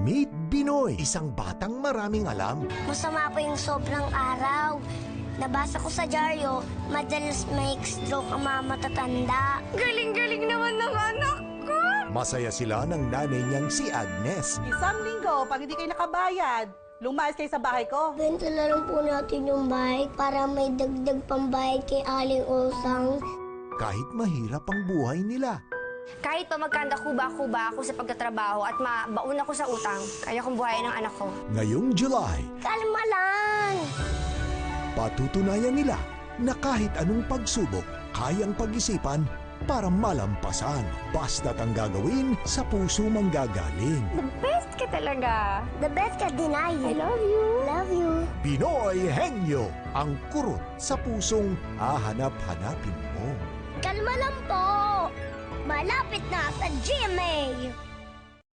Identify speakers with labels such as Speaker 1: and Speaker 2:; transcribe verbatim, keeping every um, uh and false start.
Speaker 1: Meet Binoy, isang batang maraming alam.
Speaker 2: Masama po yung sobrang araw. Nabasa ko sa dyaryo, madalas may stroke ang mga matatanda. Galing-galing naman ng anak ko!
Speaker 1: Masaya sila ng nanay niyang si Agnes.
Speaker 3: Isang linggo, pag hindi kayo nakabayad, lumayas kayo sa bahay ko.
Speaker 2: Benta na lang po natin yung bike para may dagdag pambayad kay Aling Osang.
Speaker 1: Kahit mahirap ang buhay nila,
Speaker 4: Kahit pa magkanda kuba-kuba ako sa pagtatrabaho at mabaon ako sa utang, kaya kong buhayin ng anak ko.
Speaker 1: ngayong July,
Speaker 2: Kalma lang!
Speaker 1: patutunayan nila na kahit anong pagsubok, kayang pag-isipan para malampasan. Basta't ang gagawin, sa puso manggagaling.
Speaker 4: The best ka talaga.
Speaker 2: The best ka, Dinay.
Speaker 4: I love you.
Speaker 2: Love you.
Speaker 1: Binoy Henyo, ang kurot sa pusong hahanap-hanapin mo.
Speaker 2: Kalma lang po! Malapit na sa G M A!